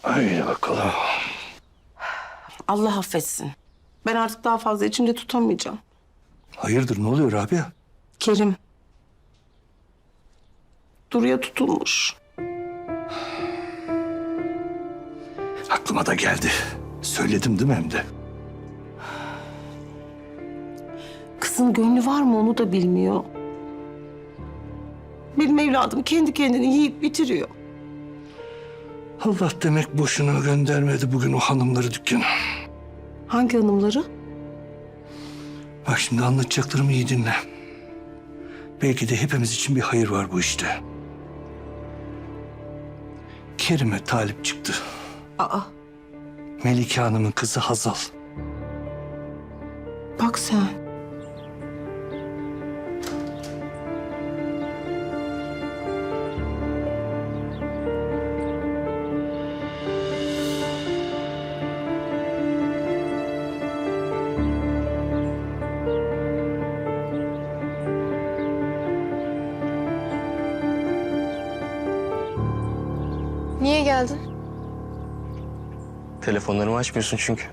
Haydi bakalım. Allah affetsin. Ben artık daha fazla içimde tutamayacağım. Hayırdır, ne oluyor Rabia? Kerim. Duru'ya tutulmuş. Aklıma da geldi. Söyledim değil mi hem de? Kızın gönlü var mı onu da bilmiyor. Benim evladım kendi kendini yiyip bitiriyor. Allah demek boşuna göndermedi bugün o hanımları dükkana. Hangi hanımları? Bak şimdi anlatacaklarımı iyi dinle. Belki de hepimiz için bir hayır var bu işte. Kerim'e talip çıktı. Aa, Melike Hanım'ın kızı Hazal. bak sen. Niye geldin? Telefonlarımı açmıyorsun çünkü.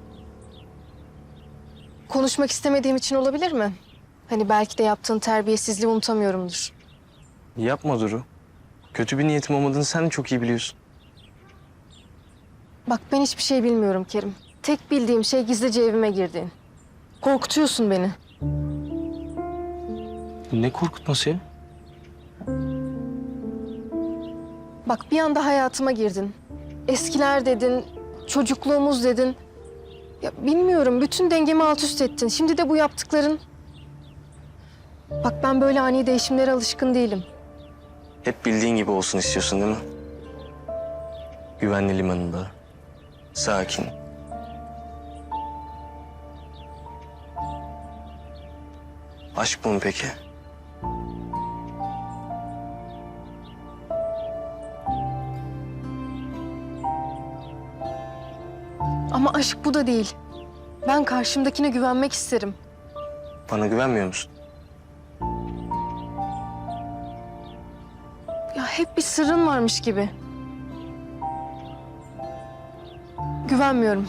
Konuşmak istemediğim için olabilir mi? Hani belki de yaptığın terbiyesizliği unutamıyorumdur. Yapma Duru. Kötü bir niyetim olmadığını sen de çok iyi biliyorsun. Bak ben hiçbir şey bilmiyorum Kerim. Tek bildiğim şey gizlice evime girdiğin. Korkutuyorsun beni. Ne korkutması ya? Bak bir anda hayatıma girdin. Eskiler dedin, çocukluğumuz dedin. Ya bilmiyorum, bütün dengemi alt üst ettin. Şimdi de bu yaptıkların... Bak ben böyle ani değişimlere alışkın değilim. Hep bildiğin gibi olsun istiyorsun değil mi? Güvenli limanında. Sakin. Aşk bu mu peki? Ama aşk bu da değil. Ben karşımdakine güvenmek isterim. Bana güvenmiyor musun? Ya hep bir sırrın varmış gibi. Güvenmiyorum.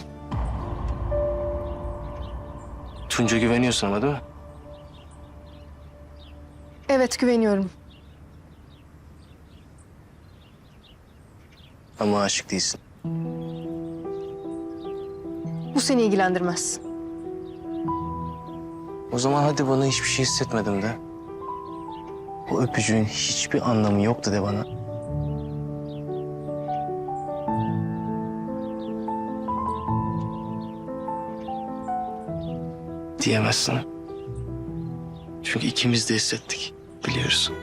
Tunca güveniyorsun ama değil mi? Evet güveniyorum. Ama aşık değilsin. Bu seni ilgilendirmez. O zaman hadi bana hiçbir şey hissetmedim de. O öpücüğün hiçbir anlamı yoktu de bana. Diyemezsin. Çünkü ikimiz de hissettik. Biliyoruz.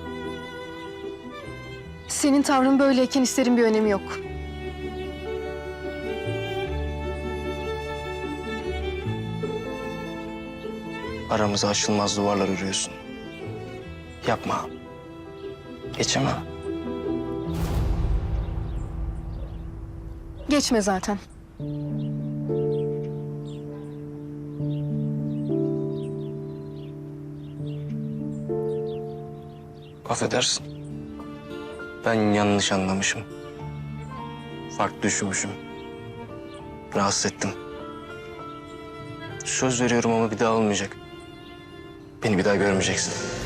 Senin tavrın böyleyken hislerin bir önemi yok. Aramıza aşılmaz duvarlar örüyorsun. Yapma. Geçemem. Geçme zaten. Affedersin. Ben yanlış anlamışım. Farklı düşünmüşüm. Rahatsız ettim. Söz veriyorum ama bir daha olmayacak. Beni bir daha görmeyeceksin.